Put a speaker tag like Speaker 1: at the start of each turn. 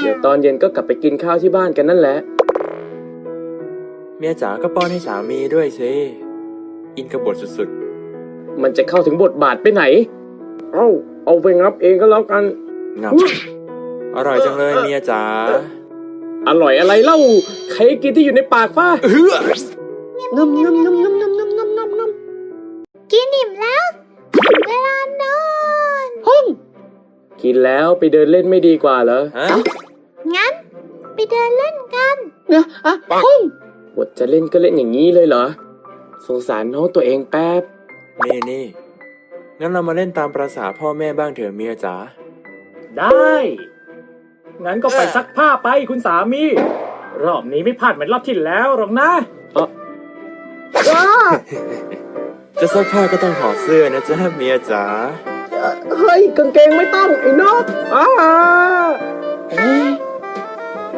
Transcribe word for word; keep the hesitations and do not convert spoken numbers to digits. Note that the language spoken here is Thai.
Speaker 1: เดี๋ยวตอนเย็นก็กลับไปกินข้าวที่บ้านกันนั่นแหละ
Speaker 2: เมียจ๋าก็ป้อนให้สามีด้วยสิอินกับบทสุด
Speaker 1: ๆมันจะเข้าถึงบทบาทไปไหนเอ้าเอาไปงับเองก็แล้วกัน
Speaker 2: ๆงับอร่อยจังเลยเมียจ๋า
Speaker 1: อร่อยอะไรเล่าใครกินที่อยู่ในปากฟ้าเฮ้องำงำงำงำงำงำงำงำงำ
Speaker 3: กินอิ่มแล้วเวลานอน
Speaker 1: ห้องกินแล้วไปเดินเล่นไม่ดีกว่าเหรอ
Speaker 2: ฮะ
Speaker 3: งั้นไปเดินเล่นกัน
Speaker 1: เนี่ยอะห้องบทจะเล่นก็เล่นอย่างนี้เลยเหรอสงสารน้องตัวเองแป๊บ
Speaker 2: นี่นี่งั้นเรามาเล่นตามประสาพ่อแม่บ้างเถอะเมียจ๋า
Speaker 4: ได้งั้นก็ไปซักผ้าไปคุณสามีรอบนี้ไม่พลาดเหมือนรอบที่แล้วหรอกนะ
Speaker 1: เออ
Speaker 2: จะซักผ้าก็ต้องถอดเสื้อนะจ๊ะเมียจ๋า
Speaker 1: เฮ้ยกางเกงไม่ต้องไอ้นกอ้า